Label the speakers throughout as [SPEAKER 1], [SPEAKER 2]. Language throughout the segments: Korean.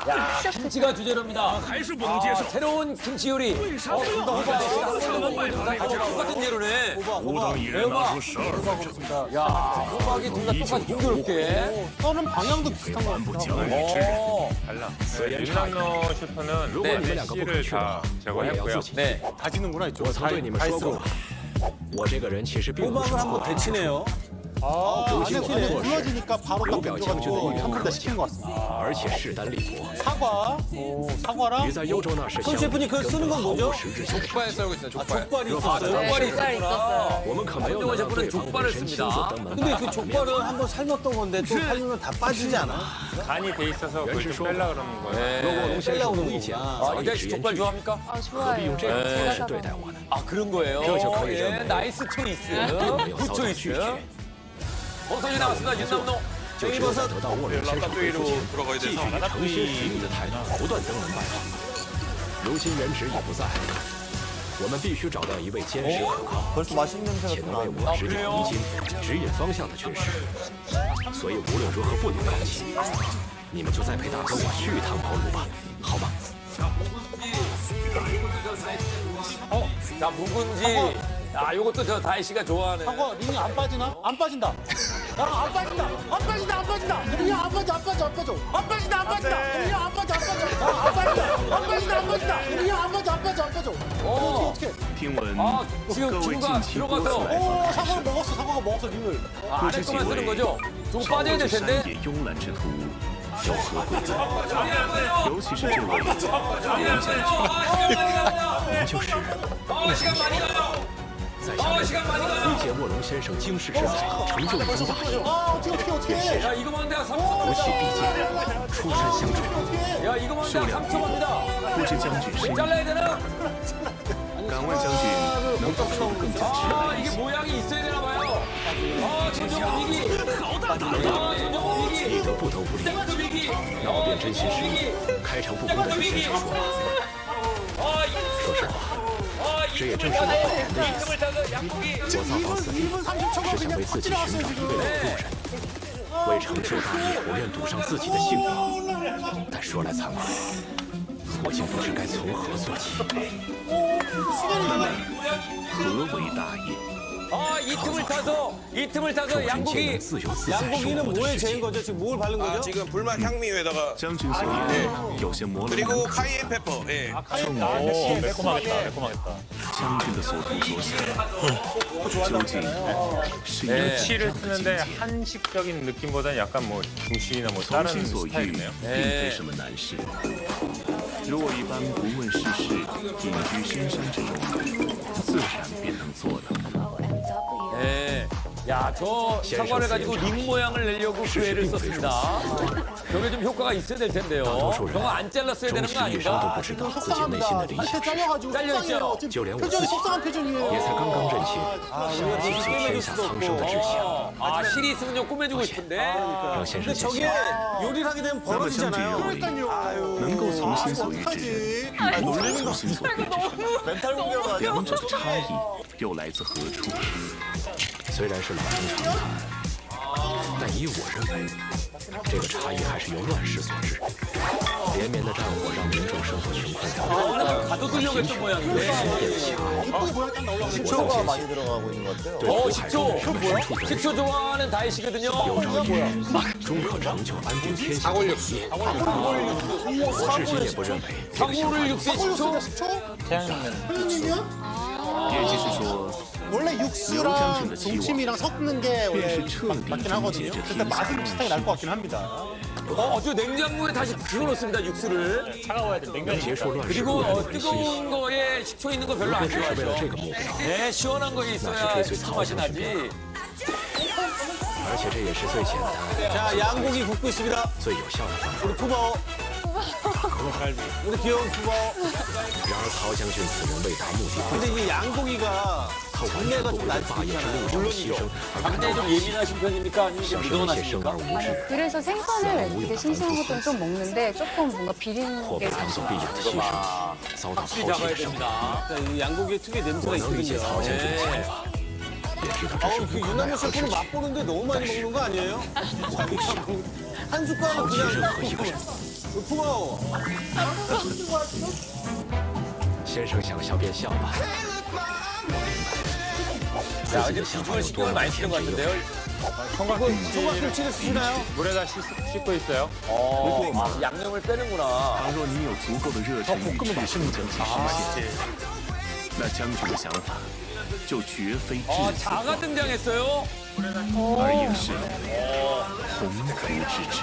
[SPEAKER 1] 야, 김치가 주재료입니다.
[SPEAKER 2] 还是不能接受。
[SPEAKER 1] 새로운 김치 요리.
[SPEAKER 2] 为啥非要把这个吃完败他来着？
[SPEAKER 1] 똑같은 재료네.
[SPEAKER 2] 吾等一人拿出12分之
[SPEAKER 1] 야, 호박이 둘 다 똑같이 공교롭게.
[SPEAKER 3] 써는 방향도 비슷한 것
[SPEAKER 2] 不
[SPEAKER 3] 같아.
[SPEAKER 2] 讲理之人。
[SPEAKER 4] 달라. 윤남노 슈퍼는
[SPEAKER 1] 네,
[SPEAKER 4] 메시를 다 제거했고요.
[SPEAKER 1] 네.
[SPEAKER 3] 다지는구나 이쪽.
[SPEAKER 5] 曾对你们说过，我这个人其实并不是
[SPEAKER 6] 호박을 한번 데치네요.
[SPEAKER 3] 아, 안에
[SPEAKER 6] 시키네.
[SPEAKER 3] 불러지니까 바로 딱 던져가지고 한 번 더 시킨 것 같습니다.
[SPEAKER 5] 而且势单力薄。
[SPEAKER 3] 사과, 사과랑
[SPEAKER 5] 鱼在幽州那是
[SPEAKER 6] 손 셰프님 그거 쓰는 건 뭐죠?
[SPEAKER 5] 实质性。
[SPEAKER 1] 족발 썰고 있어요, 족발.
[SPEAKER 6] 족발이
[SPEAKER 1] 아,
[SPEAKER 6] 있었어요?
[SPEAKER 1] 족발이
[SPEAKER 7] 족발이
[SPEAKER 1] 있었구나.
[SPEAKER 7] 있었어요.
[SPEAKER 5] 我们可没有
[SPEAKER 1] 황정원
[SPEAKER 5] 拿
[SPEAKER 1] 셰프는
[SPEAKER 5] 对方
[SPEAKER 1] 족발을
[SPEAKER 5] 本身亲
[SPEAKER 1] 씁니다.
[SPEAKER 5] 自登门
[SPEAKER 6] 근데
[SPEAKER 5] 拜
[SPEAKER 6] 그
[SPEAKER 5] 访的面
[SPEAKER 6] 족발은 한번 삶았던 건데 또 삶으면 다 빠지지 않아?
[SPEAKER 4] 간이 돼 있어서 그걸 좀 빼려고 그러는 거예요.
[SPEAKER 5] 如果龙先生无意见，
[SPEAKER 1] 아,
[SPEAKER 5] 早已
[SPEAKER 1] 이대
[SPEAKER 5] 直言
[SPEAKER 1] 족발
[SPEAKER 5] 拒绝，
[SPEAKER 1] 좋아합니까?
[SPEAKER 7] 아
[SPEAKER 5] 何必
[SPEAKER 7] 좋아요.
[SPEAKER 5] 用这种方式
[SPEAKER 7] 제가
[SPEAKER 5] 对待我呢？
[SPEAKER 1] 아, 그런 거예요.
[SPEAKER 5] 그렇죠, 그렇죠.
[SPEAKER 1] 예, 나이스 초이스. 굿 초이스. 버섯이 나왔습니다, 윤남노.
[SPEAKER 5] 就只有在得到卧龙先生回复前，继续以诚心实意的态度不断登门拜访。如今原职已不在，我们必须找到一位坚实可靠，
[SPEAKER 6] 벌써 맛있는
[SPEAKER 5] 且
[SPEAKER 6] 냄새가
[SPEAKER 5] 能为
[SPEAKER 6] 또
[SPEAKER 5] 我指点迷津、指引方向的军师。所以无论如何不能放弃。你们就再陪大哥我去一趟茅庐吧，好吗？
[SPEAKER 1] 자, 묵은지. 아, 요것도 저 다희 씨가 좋아하는.
[SPEAKER 3] 사과 링이 안 빠지나? 안 빠진다. 야, 안 빠진다. 안 빠진다. 안 빠진다. 링이 안 빠져. 안 빠져. 안 빠져. 안 빠진다. 안 빠진다. 링이 안 빠져. 안 빠져. 야, 안 빠진다. 안 빠진다. 안 빠진다. 링이 안 빠져. 안 빠져. 안 빠져. 어떻게?
[SPEAKER 2] 听闻
[SPEAKER 1] 아, 지금
[SPEAKER 2] 各位
[SPEAKER 1] 친구가
[SPEAKER 2] 近期多次
[SPEAKER 1] 들어가서
[SPEAKER 2] 来访
[SPEAKER 3] 오, 사과를 먹었어. 사과가 먹었어 링을.
[SPEAKER 1] 아,
[SPEAKER 2] 不
[SPEAKER 1] 안에
[SPEAKER 2] 知几
[SPEAKER 1] 것만 쓰는
[SPEAKER 2] 位
[SPEAKER 1] 거죠? 좀
[SPEAKER 2] 朝
[SPEAKER 1] 빠져야
[SPEAKER 2] 这
[SPEAKER 1] 될
[SPEAKER 2] 山
[SPEAKER 1] 텐데.
[SPEAKER 2] 野慵懒之徒有何贵在？尤其是这位龙将军，
[SPEAKER 5] 您就是在下面理解卧龙先生经世之才，成就一番大业，
[SPEAKER 3] 아, 어떻게?
[SPEAKER 1] 야, 이거만 내가 3초
[SPEAKER 5] 不
[SPEAKER 1] 갑니다.
[SPEAKER 5] 弃必进，出山相助。
[SPEAKER 1] 야, 이거만 내가 3초 갑니다.
[SPEAKER 2] 不知将军深意，
[SPEAKER 1] 잘라야 되나?
[SPEAKER 2] 敢问将军能否说得更加直
[SPEAKER 1] 아,
[SPEAKER 2] 白一
[SPEAKER 1] 이게
[SPEAKER 2] 些？
[SPEAKER 1] 모양이 있어야 되나 봐요. 아, 전정훈 위기. 아, 전정훈
[SPEAKER 5] 立
[SPEAKER 1] 위기.
[SPEAKER 5] 得不得不立，
[SPEAKER 1] 땡크 위기.
[SPEAKER 5] 要变真心实意，开诚布公的对先生说。
[SPEAKER 1] 아,
[SPEAKER 5] 说实话，
[SPEAKER 1] 아,
[SPEAKER 5] 这也正是我本人的意
[SPEAKER 1] 이
[SPEAKER 5] 思。
[SPEAKER 1] 틈을 타서 양고기.
[SPEAKER 5] 我造访此地，
[SPEAKER 3] 2분 30초가
[SPEAKER 5] 是想
[SPEAKER 3] 그냥
[SPEAKER 5] 为自己
[SPEAKER 3] 팍
[SPEAKER 5] 寻
[SPEAKER 3] 지나갔어요
[SPEAKER 5] 找一
[SPEAKER 3] 지금.
[SPEAKER 5] 位老路人。为成就大业，我愿赌上自己的性命。但说来惭愧，我竟不知该从何做起。
[SPEAKER 2] 何为大业？
[SPEAKER 1] 아, 이 틈을 타서
[SPEAKER 5] 众人皆
[SPEAKER 1] 양고기.
[SPEAKER 5] 能自由自在生
[SPEAKER 6] 양고기는
[SPEAKER 5] 活的
[SPEAKER 6] 뭐에
[SPEAKER 5] 世
[SPEAKER 6] 재인
[SPEAKER 5] 界。
[SPEAKER 6] 거죠? 지금 뭘 바른 거죠?
[SPEAKER 8] 지금 불맛 향미에다가
[SPEAKER 2] 将军所言有些模棱两
[SPEAKER 8] 그리고
[SPEAKER 2] 可。
[SPEAKER 8] 카이엔 페퍼. 예.
[SPEAKER 2] 将军的所图所想，究竟是一个
[SPEAKER 4] 치를 쓰는데 한식적인 느낌보다는 약간 뭐 중식이나 뭐
[SPEAKER 2] 从
[SPEAKER 4] 다른
[SPEAKER 2] 心所欲，
[SPEAKER 4] 스타일이네요.
[SPEAKER 2] 并非什么难事。如我一般不问世事，隐居深山之中，自然便能做到。
[SPEAKER 1] 네. 야, 저 사과를 가지고 링 모양을 내려고 그 애를 썼습니다. 저게 좀 효과가 있어야 될 텐데요. 저거 안 잘랐어야
[SPEAKER 5] 终
[SPEAKER 1] 되는
[SPEAKER 5] 是
[SPEAKER 1] 거
[SPEAKER 5] 一生都
[SPEAKER 1] 아닌가?
[SPEAKER 5] 不知道自己内心
[SPEAKER 3] 속상합니다.
[SPEAKER 5] 的理
[SPEAKER 3] 한테
[SPEAKER 5] 想是，
[SPEAKER 3] 잘려가지고
[SPEAKER 1] 잘려있죠?
[SPEAKER 3] 속상해요. 지금
[SPEAKER 5] 就连我
[SPEAKER 3] 표정이
[SPEAKER 5] 自己
[SPEAKER 3] 속상한 표정이에요.
[SPEAKER 5] 也才刚刚认清想提起天下苍生的志向，
[SPEAKER 1] 아, 실이 있으면 꾸며주고 싶은데.
[SPEAKER 5] 让先生
[SPEAKER 6] 근데
[SPEAKER 5] 见
[SPEAKER 6] 저게
[SPEAKER 5] 笑。
[SPEAKER 6] 요리를 하게 되면
[SPEAKER 2] 那么将军
[SPEAKER 6] 벌어지잖아요.
[SPEAKER 2] 认为，能够从心所欲之人，与无法从心所欲之人，两者的差异又来自何处？
[SPEAKER 5] 虽然是老生常谈，但依我认为，这个差异还是由乱世所致。连绵的战火让民众生活穷困潦倒，
[SPEAKER 1] 가둬두려고 했던 모양인데.
[SPEAKER 5] 变强。
[SPEAKER 3] 이쁘게 모양 딱 나오려고.
[SPEAKER 6] 식초가 많이 들어가고 있는 것 같아요.
[SPEAKER 5] 对
[SPEAKER 1] 식초.
[SPEAKER 5] 深处的
[SPEAKER 1] 식초 좋아하는 다희 씨거든요.
[SPEAKER 5] 有朝一日终可成就安定天下的伟业。我至今也不认为这个想法
[SPEAKER 1] 사고를 육수에 식초.
[SPEAKER 3] 표정님이야?
[SPEAKER 2] 也就是说，
[SPEAKER 3] 원래 육수랑 동치미랑 섞는 게 원래
[SPEAKER 2] 便是彻底
[SPEAKER 3] 맞긴
[SPEAKER 2] 终
[SPEAKER 3] 하거든요.
[SPEAKER 2] 结这
[SPEAKER 3] 근데
[SPEAKER 2] 天
[SPEAKER 3] 맛은
[SPEAKER 2] 下
[SPEAKER 3] 비슷하게 날 것 같긴 합니다.
[SPEAKER 1] 저 냉장고에 다시 집어넣습니다, 육수를.
[SPEAKER 5] 结束乱世
[SPEAKER 1] 그리고
[SPEAKER 5] 不然人心。
[SPEAKER 1] 뜨거운 거에 식초 있는 거 별로
[SPEAKER 5] 若
[SPEAKER 1] 안
[SPEAKER 5] 只是为了这
[SPEAKER 1] 좋아하죠.
[SPEAKER 5] 个目标，
[SPEAKER 1] 네, 시원한 거에 있어야 식초 맛이 나지.
[SPEAKER 5] 而且这也是最简单、
[SPEAKER 6] 자, 양고기 굽고 있습니다.
[SPEAKER 5] 最有效的方法。
[SPEAKER 6] 우리 푸버. 우리 귀여운 푸버.
[SPEAKER 5] 然而曹将军此人为达目的，
[SPEAKER 6] 근데 이 양고기가
[SPEAKER 5] 他完
[SPEAKER 6] 장내가
[SPEAKER 5] 全不
[SPEAKER 6] 좀
[SPEAKER 5] 为在
[SPEAKER 6] 낫지
[SPEAKER 5] 霸业之路上的牺牲而感
[SPEAKER 1] 장내
[SPEAKER 5] 到
[SPEAKER 1] 좀 예민하신 편입니까? 아니면 좀
[SPEAKER 5] 享受一切生
[SPEAKER 1] 미동하십니까?
[SPEAKER 5] 而无知，
[SPEAKER 7] 그래서 생선을 이렇게 싱싱한 것들은 좀 먹는데 조금 뭔가 비린
[SPEAKER 5] 或
[SPEAKER 7] 게
[SPEAKER 5] 被当作必有的牺牲，遭到
[SPEAKER 1] 확실히
[SPEAKER 5] 抛弃
[SPEAKER 1] 잡아야
[SPEAKER 5] 的生活。
[SPEAKER 1] 됩니다.
[SPEAKER 6] 자, 이 양고기의 특유의 냄새가
[SPEAKER 5] 我能理解
[SPEAKER 6] 있거든요.
[SPEAKER 5] 曹将军的想
[SPEAKER 1] 네.
[SPEAKER 5] 法，也知道这是
[SPEAKER 6] 그
[SPEAKER 5] 无可奈
[SPEAKER 6] 유난히
[SPEAKER 5] 何之
[SPEAKER 6] 셰프는
[SPEAKER 5] 举。
[SPEAKER 6] 맛보는데 너무 많이 먹는 거 아니에요?
[SPEAKER 5] 我不想，
[SPEAKER 3] 한 숟가락
[SPEAKER 5] 好
[SPEAKER 3] 그냥
[SPEAKER 5] 任
[SPEAKER 3] 딱
[SPEAKER 5] 何一个人。
[SPEAKER 3] 부러워.
[SPEAKER 5] 先生想笑便笑吧。
[SPEAKER 1] 자, 이제 비주얼 신경을 많이 쓰는 것 같은데요.
[SPEAKER 3] 총각김치를 쓰시나요?
[SPEAKER 4] 물에다 씻고 있어요.
[SPEAKER 1] 양념을 빼는구나.
[SPEAKER 2] 倘若你有足够的热忱与志气将其实现，那将军的想法就绝非至死
[SPEAKER 1] 자가 등장했어요.
[SPEAKER 2] 而也是鸿鹄之志。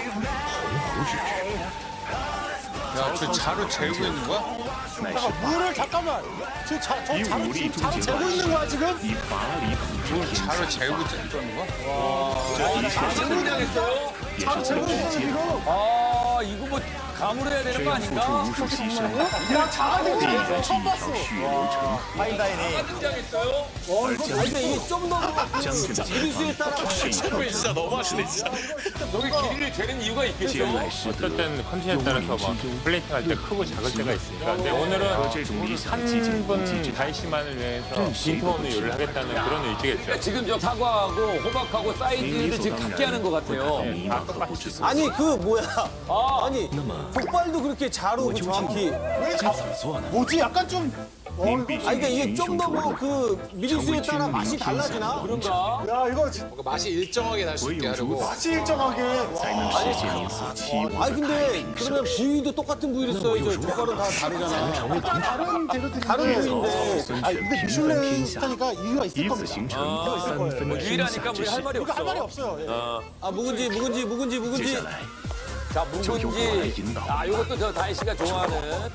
[SPEAKER 6] 야, 저 자루 재고 있는 거야?
[SPEAKER 2] 乃是
[SPEAKER 3] 물을 잠깐만. 저 자루
[SPEAKER 2] 이
[SPEAKER 3] 지금
[SPEAKER 2] 우리
[SPEAKER 3] 자루
[SPEAKER 2] 중진
[SPEAKER 3] 재고 있는 거야 지금?
[SPEAKER 2] 以法理统治天
[SPEAKER 6] 자루
[SPEAKER 2] 下，
[SPEAKER 6] 재고 있는 거야?
[SPEAKER 2] 这一切
[SPEAKER 1] 자가
[SPEAKER 2] 是
[SPEAKER 1] 등장했어요.
[SPEAKER 2] 也是为了直接
[SPEAKER 1] 아, 이거 뭐 감으로 해야 되는
[SPEAKER 2] 这
[SPEAKER 1] 거
[SPEAKER 2] 样付出
[SPEAKER 1] 아닌가?
[SPEAKER 2] 无数牺牲，
[SPEAKER 3] 나 자가
[SPEAKER 2] 必
[SPEAKER 3] 되지
[SPEAKER 2] 然是
[SPEAKER 3] 처음
[SPEAKER 2] 一条
[SPEAKER 3] 봤어.
[SPEAKER 2] 血流成河。
[SPEAKER 3] 파인다이닝.
[SPEAKER 1] 등장했어요.
[SPEAKER 2] 而将
[SPEAKER 3] 근데 이게 좀 더
[SPEAKER 2] 将军的
[SPEAKER 3] 미리수에
[SPEAKER 2] 前
[SPEAKER 3] 따라
[SPEAKER 2] 方是一条
[SPEAKER 8] 진짜 너무하시네 진짜.
[SPEAKER 1] 저기 길이를 재는 이유가
[SPEAKER 2] 艰
[SPEAKER 1] 있겠죠.
[SPEAKER 2] 难时
[SPEAKER 4] 어떨
[SPEAKER 2] 得
[SPEAKER 4] 때는 컨디션에 따라서 막 플레이팅 할 때 크고 작을 때가 있으니까. 근데 오늘은
[SPEAKER 2] 和这种理想激进攻击
[SPEAKER 4] 한
[SPEAKER 2] 之
[SPEAKER 4] 분 다이씨만을 위해서 빈톤으로 요리를 하겠다는 그런 의지겠죠.
[SPEAKER 1] 지금 저 사과하고 호박하고 사이드를 지금 같게 하는 것 같아요.
[SPEAKER 2] 迷茫和不知所措。
[SPEAKER 3] 아니 그 뭐야?
[SPEAKER 1] 아,
[SPEAKER 3] 아니
[SPEAKER 5] 那么
[SPEAKER 3] 족발도 그렇게 자르고 정확히
[SPEAKER 5] 该怎么做呢？
[SPEAKER 3] 뭐지? 약간 좀
[SPEAKER 2] 您必须
[SPEAKER 3] 아니 그러니까 이게
[SPEAKER 2] 群
[SPEAKER 3] 좀
[SPEAKER 2] 雄
[SPEAKER 3] 더
[SPEAKER 2] 逐
[SPEAKER 3] 뭐
[SPEAKER 2] 鹿，
[SPEAKER 3] 그 미리수에 따라 맛이 달라지나?
[SPEAKER 1] 그런가?
[SPEAKER 3] 야 이거
[SPEAKER 6] 맛이 일정하게 날 수
[SPEAKER 2] 唯
[SPEAKER 6] 있게
[SPEAKER 2] 有如
[SPEAKER 6] 하려고.
[SPEAKER 2] 此，
[SPEAKER 3] 맛이 일정하게.
[SPEAKER 2] 才能实现您所期望
[SPEAKER 3] 아니
[SPEAKER 2] 的
[SPEAKER 3] 근데 그러면 부위도 똑같은 부위를 써야죠. 족발은 다 다르잖아. 다른 부위인데. 아니 근데 미슐랭 스타니까 이유가
[SPEAKER 2] 以
[SPEAKER 3] 있을
[SPEAKER 2] 此
[SPEAKER 3] 겁니다.
[SPEAKER 2] 形成三分
[SPEAKER 1] 뭐
[SPEAKER 2] 的天
[SPEAKER 1] 유일하니까
[SPEAKER 2] 下
[SPEAKER 1] 우리
[SPEAKER 2] 之
[SPEAKER 1] 할
[SPEAKER 2] 势。
[SPEAKER 1] 말이
[SPEAKER 3] 이거 할 말이
[SPEAKER 1] 없어.
[SPEAKER 3] 없어요. 예. 아 묵은지.
[SPEAKER 2] 接下来
[SPEAKER 1] 자, 묵은지. 아, 요것도 저 다희 씨가 좋아하는.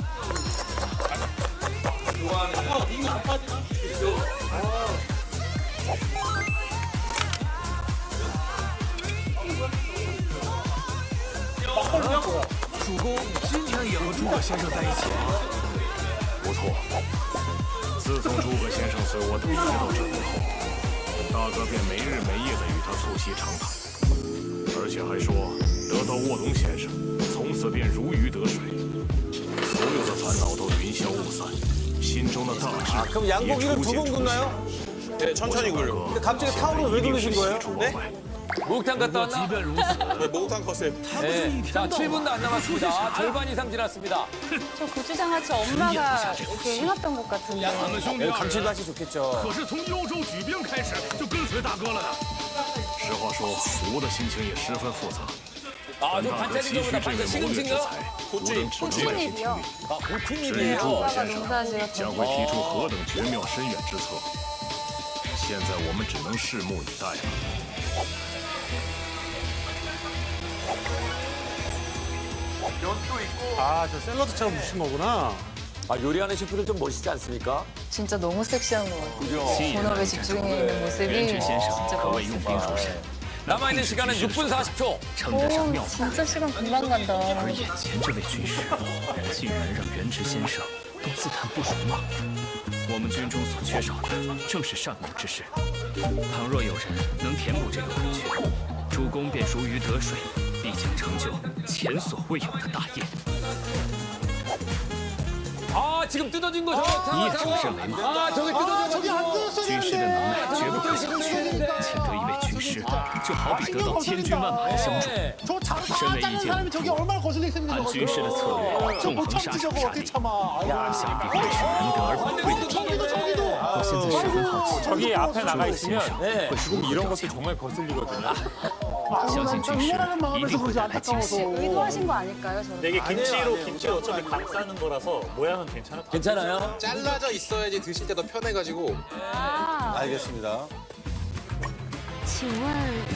[SPEAKER 2] 아, 不错。自从诸葛先生随我东接到这里后，大哥便没日没夜的与他促膝长谈，而且还说得到卧龙先生，从此便如鱼得水，所有的烦恼都云消雾散，心中的大志
[SPEAKER 3] 그럼
[SPEAKER 2] 也
[SPEAKER 3] 양고기를
[SPEAKER 2] 初
[SPEAKER 3] 두
[SPEAKER 2] 见
[SPEAKER 3] 번
[SPEAKER 2] 雏形。
[SPEAKER 3] 굽나요?
[SPEAKER 8] 네, 천천히 굴려.
[SPEAKER 3] 근데 갑자기 타오를 왜
[SPEAKER 2] 一定
[SPEAKER 3] 돌리신
[SPEAKER 2] 是
[SPEAKER 3] 거예요?
[SPEAKER 2] 喜出望外。
[SPEAKER 1] 목욕탕 갔다 왔나?
[SPEAKER 8] 네, 목욕탕 컸어요.
[SPEAKER 1] 네. 자, 7분도 안 남았습니다. 절반 이상 지났습니다.
[SPEAKER 7] 저 고추장 같이 엄마가 이렇게 해놨던 것 같은데.
[SPEAKER 3] 여기 감칠맛이 좋겠죠.
[SPEAKER 2] 可是从幽州举兵开始就跟随大哥了呢。实话说，吴的心情也十分复杂。
[SPEAKER 1] 아, 저
[SPEAKER 2] 大哥急
[SPEAKER 1] 반찬인가
[SPEAKER 2] 需
[SPEAKER 1] 보다.
[SPEAKER 2] 这
[SPEAKER 1] 반찬
[SPEAKER 2] 位谋略之
[SPEAKER 1] 시금치인가?
[SPEAKER 2] 才，无论指出外界
[SPEAKER 7] 호주잎이요.
[SPEAKER 1] 啊，不听你
[SPEAKER 2] 至
[SPEAKER 1] 的
[SPEAKER 2] 于诸葛
[SPEAKER 7] 아빠가
[SPEAKER 2] 先生
[SPEAKER 7] 농사지었던
[SPEAKER 2] 将会提出何等绝妙深远之策，现在我们只能拭目以待了。
[SPEAKER 3] 아 저 샐러드처럼 무신 거구나.
[SPEAKER 1] 아, 요리하는 셰프들 좀 멋있지 않습니까?
[SPEAKER 7] 진짜 너무 섹시한 것 같아요.
[SPEAKER 2] 既然
[SPEAKER 7] 본업에 집중해 있는 모습이
[SPEAKER 2] 元直先生
[SPEAKER 7] 진짜
[SPEAKER 2] 可谓用兵入神，
[SPEAKER 1] 남아있는 시간은 6분 40초.
[SPEAKER 5] 称得上
[SPEAKER 7] 오,
[SPEAKER 5] 妙法。
[SPEAKER 7] 진짜 시간 금방 간다.
[SPEAKER 5] 而眼前这位军师，人竟然让元直先生都自叹不如吗？我们军中所缺少的正是上谋之士。倘若有人能填补这个空缺，主公便如鱼得水，必将成就前所未有的大业。
[SPEAKER 1] 아, 지금 뜯어진 거 저거.
[SPEAKER 5] 이 정신没吗？
[SPEAKER 1] 아, 저게
[SPEAKER 3] 아 저기 안
[SPEAKER 1] 뜯어졌어.
[SPEAKER 3] 뜯었어야
[SPEAKER 5] 军师的能耐绝不可小觑，
[SPEAKER 1] 되는데.
[SPEAKER 5] 请得一位军师，就好比得到千军万马的相助。
[SPEAKER 1] 네.
[SPEAKER 3] 저 자루
[SPEAKER 5] 身为
[SPEAKER 3] 다
[SPEAKER 5] 一
[SPEAKER 3] 짜는
[SPEAKER 5] 介
[SPEAKER 3] 사람이
[SPEAKER 5] 武
[SPEAKER 3] 저기
[SPEAKER 5] 夫，
[SPEAKER 3] 얼마나 거슬릴 셈인데
[SPEAKER 5] 按
[SPEAKER 3] 저거.
[SPEAKER 5] 军师的策略，
[SPEAKER 3] 저
[SPEAKER 5] 纵
[SPEAKER 3] 못
[SPEAKER 5] 横沙
[SPEAKER 3] 참지
[SPEAKER 5] 场
[SPEAKER 3] 저거
[SPEAKER 5] 杀
[SPEAKER 3] 어떻게
[SPEAKER 5] 敌，
[SPEAKER 3] 참아. 아이고.
[SPEAKER 5] 想必会是难得而宝贵的体验。
[SPEAKER 3] 저기도.
[SPEAKER 5] 我现在十分好奇，
[SPEAKER 4] 저기 앞에 나가
[SPEAKER 5] 先
[SPEAKER 4] 있으면
[SPEAKER 5] 生
[SPEAKER 1] 네.
[SPEAKER 5] 会如何
[SPEAKER 4] 이런
[SPEAKER 5] 表
[SPEAKER 4] 것도
[SPEAKER 5] 现？
[SPEAKER 4] 정말 거슬리거든요.
[SPEAKER 5] 相信军师一定会带来惊喜。
[SPEAKER 7] 의도하신 거 아닐까요? 저렇게?
[SPEAKER 3] 이게 김치로
[SPEAKER 9] 김치를 어차피 감 싸는 거라서 모양은 괜찮아.
[SPEAKER 1] 괜찮아요?
[SPEAKER 6] 잘라져 있어야지 드실 때 더 편해가지고.
[SPEAKER 7] 아,
[SPEAKER 3] 알겠습니다.
[SPEAKER 10] 请问，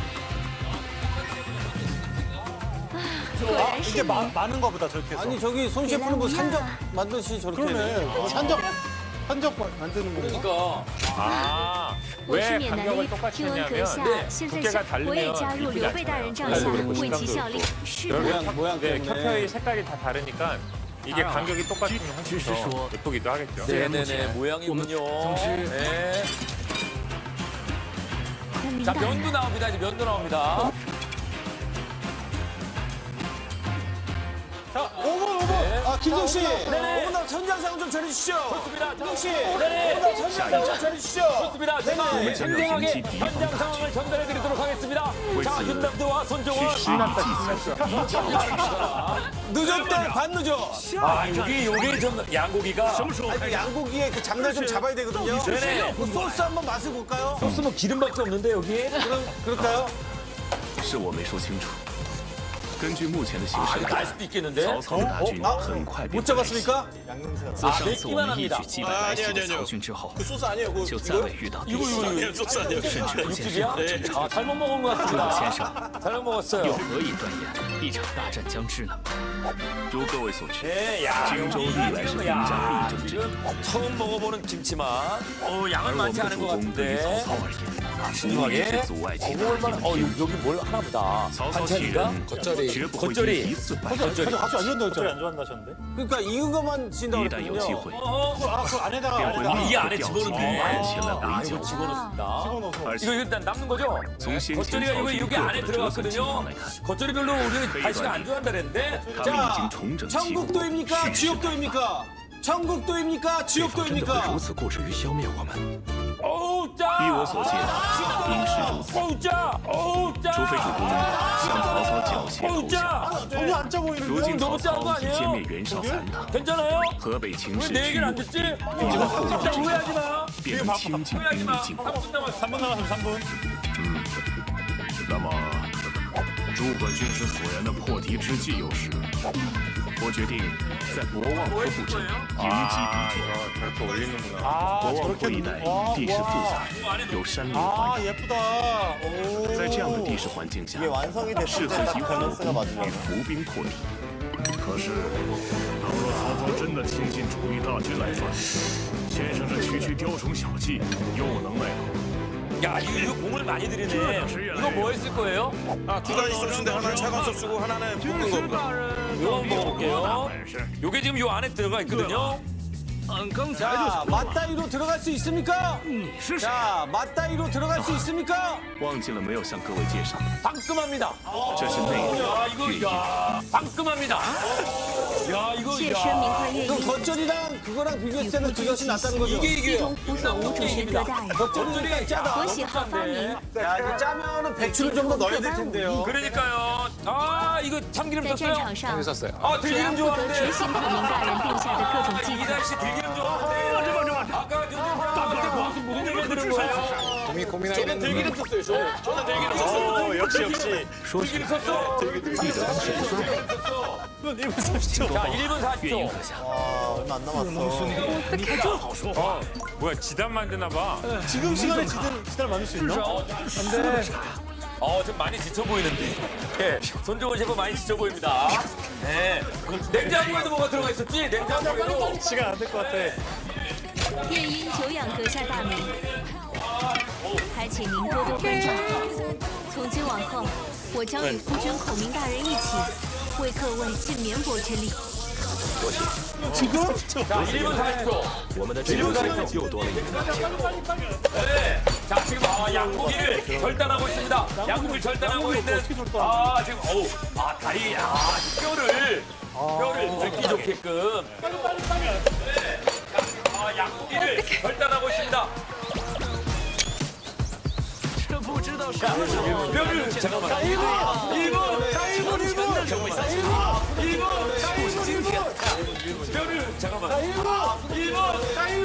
[SPEAKER 3] 아, 이게 많은 거보다 저렇게 해서. 아니 저기 손 셰프는 뭐 산적 만드시 저렇게. 그러네. 산적 만드는 거니까.
[SPEAKER 1] 그러니까.
[SPEAKER 4] 아,
[SPEAKER 10] 我是
[SPEAKER 4] 왜
[SPEAKER 10] 缅南
[SPEAKER 4] 간격을
[SPEAKER 10] 的
[SPEAKER 4] 똑같이
[SPEAKER 10] 听闻阁
[SPEAKER 4] 했냐면
[SPEAKER 10] 下
[SPEAKER 1] 네,
[SPEAKER 10] 现在
[SPEAKER 4] 두께가
[SPEAKER 10] 是我也
[SPEAKER 4] 다르면
[SPEAKER 10] 加入
[SPEAKER 4] 이쁘지
[SPEAKER 10] 刘备大人帐
[SPEAKER 4] 않잖아요.
[SPEAKER 10] 下
[SPEAKER 4] 그리고
[SPEAKER 10] 为其
[SPEAKER 4] 식감도
[SPEAKER 10] 效力
[SPEAKER 4] 그렇고. 。
[SPEAKER 10] 是的，
[SPEAKER 3] 모양
[SPEAKER 4] 네,
[SPEAKER 3] 때문에.
[SPEAKER 4] 켜켜이 색깔이 다 다르니까 이게 간격이 똑같으면 훨씬 더 예쁘기도 하겠죠.
[SPEAKER 1] 네네네, 모양이군요. 네.
[SPEAKER 10] 我明
[SPEAKER 1] 자,
[SPEAKER 10] 白了。
[SPEAKER 1] 면도 나옵니다. 이제 면도 나옵니다.
[SPEAKER 3] 자, 5분.
[SPEAKER 1] 네.
[SPEAKER 3] 아, 김성 씨, 오늘 현장상 좀 전해주시죠.
[SPEAKER 1] 좋습니다.
[SPEAKER 3] 김성 씨,
[SPEAKER 1] 네네.
[SPEAKER 3] 오늘 현장상 좀 전해주시죠.
[SPEAKER 1] 좋습니다. 제가 생생하게 현장 상황을 전달해드리도록 하겠습니다. 자, 윤남도와 손정원.
[SPEAKER 3] 늦었대, 반 늦어.
[SPEAKER 1] 아, 요게 좀 양고기가.
[SPEAKER 3] 아니, 양고기의 그 장날 좀 잡아야 되거든요.
[SPEAKER 1] 네네.
[SPEAKER 3] 그 소스 한번 맛을 볼까요?
[SPEAKER 1] 소스 뭐 기름밖에 없는데 여기.
[SPEAKER 3] 그럴까요?
[SPEAKER 5] 是我没说清楚。根据目前的形
[SPEAKER 1] 아,
[SPEAKER 5] 势
[SPEAKER 1] 이거
[SPEAKER 5] 来
[SPEAKER 1] 날
[SPEAKER 5] 看，
[SPEAKER 1] 수도 있겠는데.
[SPEAKER 5] 曹操的大军很快便
[SPEAKER 3] 못
[SPEAKER 5] 会来袭。
[SPEAKER 3] 잡았습니까?
[SPEAKER 5] 自上次我们一举击败来袭的
[SPEAKER 8] 아니요.
[SPEAKER 5] 曹军之后，
[SPEAKER 8] 그 소스 아니에요. 그
[SPEAKER 5] 就再未遇到敌袭，
[SPEAKER 8] 아니에요. 소스 아니에요.
[SPEAKER 5] 甚至不见任
[SPEAKER 1] 육즙이야?
[SPEAKER 5] 何征兆。
[SPEAKER 1] 아, 잘못 먹은 것
[SPEAKER 5] 诸葛
[SPEAKER 1] 같습니다.
[SPEAKER 5] 先生
[SPEAKER 1] 잘못 먹었어요.
[SPEAKER 5] 又何以断言一场大战将至呢？如各位所知，
[SPEAKER 1] 네, 야,
[SPEAKER 5] 荆州历来是兵家必争之地，
[SPEAKER 1] 처음 먹어보는 김치만. 양은
[SPEAKER 5] 而我
[SPEAKER 1] 많지
[SPEAKER 5] 们
[SPEAKER 1] 않은
[SPEAKER 5] 主
[SPEAKER 1] 것
[SPEAKER 5] 公对于曹
[SPEAKER 1] 같은데.
[SPEAKER 5] 操而言，无疑
[SPEAKER 1] 신중하게.
[SPEAKER 5] 是阻碍其大
[SPEAKER 1] 먹을만.
[SPEAKER 5] 业
[SPEAKER 1] 여기 뭘 하나 보다.
[SPEAKER 5] 曹操替
[SPEAKER 1] 반찬인가?
[SPEAKER 5] 人绝不会
[SPEAKER 1] 겉절이.
[SPEAKER 5] 因一次败
[SPEAKER 1] 겉절이.
[SPEAKER 3] 같이 안 준다고
[SPEAKER 9] 소리 안 좋아한다셨는데?
[SPEAKER 3] 그러니까 익은 것만 진다고
[SPEAKER 5] 一旦有机
[SPEAKER 3] 그랬거든요.
[SPEAKER 5] 会，
[SPEAKER 3] 그 안에다가
[SPEAKER 5] 便会
[SPEAKER 1] 아,
[SPEAKER 5] 立
[SPEAKER 1] 이
[SPEAKER 5] 刻
[SPEAKER 1] 안에
[SPEAKER 5] 调集
[SPEAKER 1] 집어넣네.
[SPEAKER 5] 万人前来
[SPEAKER 1] 아,
[SPEAKER 5] 围
[SPEAKER 1] 이거
[SPEAKER 5] 剿。
[SPEAKER 1] 집어넣습니다.
[SPEAKER 5] 而
[SPEAKER 1] 이거
[SPEAKER 5] 且
[SPEAKER 1] 일단 남는 거죠?
[SPEAKER 5] 从先前
[SPEAKER 1] 겉절이가
[SPEAKER 5] 曹
[SPEAKER 1] 이거
[SPEAKER 5] 军
[SPEAKER 1] 여기
[SPEAKER 5] 各
[SPEAKER 1] 안에
[SPEAKER 5] 种折损情
[SPEAKER 1] 들어갔거든요.
[SPEAKER 5] 况来看，
[SPEAKER 1] 겉절이 별로 우리 다시가 안 좋아한다 그랬는데.
[SPEAKER 5] 他们已经重整旗鼓，
[SPEAKER 3] 천국도입니까?
[SPEAKER 5] 蓄势待
[SPEAKER 3] 지옥도입니까? 천국도입니까?
[SPEAKER 6] 对方真的会
[SPEAKER 3] 지옥도입니까?
[SPEAKER 6] 如此固执于消灭我们？
[SPEAKER 1] 어우,
[SPEAKER 5] 依我
[SPEAKER 1] 짜!
[SPEAKER 5] 所见，应是如此。
[SPEAKER 1] 어우, 짜! 어우, 짜!
[SPEAKER 5] 除非主公向曹操缴械
[SPEAKER 1] 어우,
[SPEAKER 5] 投降，
[SPEAKER 1] 짜!
[SPEAKER 3] 전혀 안 짜 보이는데.
[SPEAKER 5] 如今
[SPEAKER 1] 너무
[SPEAKER 5] 曹
[SPEAKER 1] 짠거
[SPEAKER 5] 操已
[SPEAKER 1] 아니에요?
[SPEAKER 5] 歼灭袁绍残党，
[SPEAKER 1] 괜찮아요?
[SPEAKER 5] 河北情
[SPEAKER 1] 왜
[SPEAKER 5] 势
[SPEAKER 1] 내
[SPEAKER 5] 趋
[SPEAKER 1] 얘기를 안
[SPEAKER 5] 稳，
[SPEAKER 1] 듣지?
[SPEAKER 5] 必然后
[SPEAKER 1] 진짜
[SPEAKER 5] 之
[SPEAKER 1] 오해하지 마.
[SPEAKER 5] 便能倾尽
[SPEAKER 1] 오해하지
[SPEAKER 5] 兵
[SPEAKER 1] 마.
[SPEAKER 5] 力进攻。
[SPEAKER 1] 3분 남았어.
[SPEAKER 9] 3분 남았으면 3분.
[SPEAKER 2] 那么，诸葛军师所言的破敌之计有时，我决定在博望河布阵，迎击敌军。
[SPEAKER 4] 저렇게 올리는구나.
[SPEAKER 2] 博望坡一带地势复杂，有山林环绕。
[SPEAKER 3] 예쁘다. 오.
[SPEAKER 2] 在这样的地势环境下，适合以火攻与伏兵破敌。可是，倘若曹操真的倾尽主力大军来犯，先生这区区雕虫小技又能奈何？
[SPEAKER 1] 야, 이거 공을 많이 들이네. 이거 뭐 했을 거예요?
[SPEAKER 8] 아, 두 가지 소스인데 하나는 차가운 소스고 하나는 볶은 겁니다.
[SPEAKER 1] 이거 한번 먹어볼게요. 요게 지금 요 안에 들어가 있거든요.
[SPEAKER 3] 자, 맞다이로 들어갈 수 있습니까? 자, 맞다이로 들어갈 수 있습니까?
[SPEAKER 5] 忘记了没有向各位介绍，
[SPEAKER 1] 방금합니다.
[SPEAKER 5] 这是内
[SPEAKER 1] 야,
[SPEAKER 5] 应
[SPEAKER 1] 이거
[SPEAKER 5] 越
[SPEAKER 1] 야, 방금합니다. 야, 이거
[SPEAKER 10] 谢
[SPEAKER 1] 야.
[SPEAKER 10] 声明快乐
[SPEAKER 3] 그럼
[SPEAKER 10] 意，
[SPEAKER 3] 겉절이랑 그거랑 비교했을 때는 그것이 낫다는 거죠?
[SPEAKER 1] 이게
[SPEAKER 10] 一
[SPEAKER 1] 이게요.
[SPEAKER 10] 同扶所无主神歌大人，
[SPEAKER 3] 겉절이가 짜다.
[SPEAKER 10] 我喜好发明，
[SPEAKER 3] 야, 이거 짜면은 배추를 좀 더 넣어야 될 텐데요.
[SPEAKER 1] 그러니까요. 아, 이거 참기름
[SPEAKER 10] 在战
[SPEAKER 1] 썼어요?
[SPEAKER 10] 场上，
[SPEAKER 1] 아,
[SPEAKER 10] 只要
[SPEAKER 1] 들기름
[SPEAKER 10] 负责
[SPEAKER 1] 좋아하는데.
[SPEAKER 10] 执行孔明大人定下的各种计策。
[SPEAKER 1] 이달 씨 들기름 좋아하는데. 아까 무슨 얘기 들은 거예요?
[SPEAKER 8] 저는 들기름 썼어요. 저는 들기름 썼어요.
[SPEAKER 9] 역시.
[SPEAKER 1] 들기름 썼어? 들기름 썼어.
[SPEAKER 9] 1분 30초.
[SPEAKER 1] 자, 1분
[SPEAKER 5] 岳云
[SPEAKER 1] 40초.
[SPEAKER 5] 阁下，
[SPEAKER 3] 얼마 안 남았어.
[SPEAKER 4] 뭐야, 지단 만드나 봐.
[SPEAKER 3] 지금 시간에 지들 만들 수 있나?
[SPEAKER 1] 좀 많이 지쳐 보이는데. 예, 손정원 셰프 많이 지쳐 보입니다. 네. 냉장고에도 뭐가 들어가 있었지? 냉장고에도.
[SPEAKER 9] 시간 안 될 것 같아.
[SPEAKER 10] 愿因久仰阁下大名，还请您多多关照。从今往后，我将与夫君孔明大人一起，为各位尽绵薄之力。
[SPEAKER 1] 자, 1분 40초.
[SPEAKER 6] 我们的支援又多了一个大将。
[SPEAKER 1] 네. 자, 지금 양고기를 절단하고 있습니다. 양고기를 절단하고 있는. 지금 다리, 뼈를 긁기 좋게끔. 네. 양고기를 절단하고 있습니다. 뼈를 잠깐만. 1분. 뼈를 잠깐만. 1분.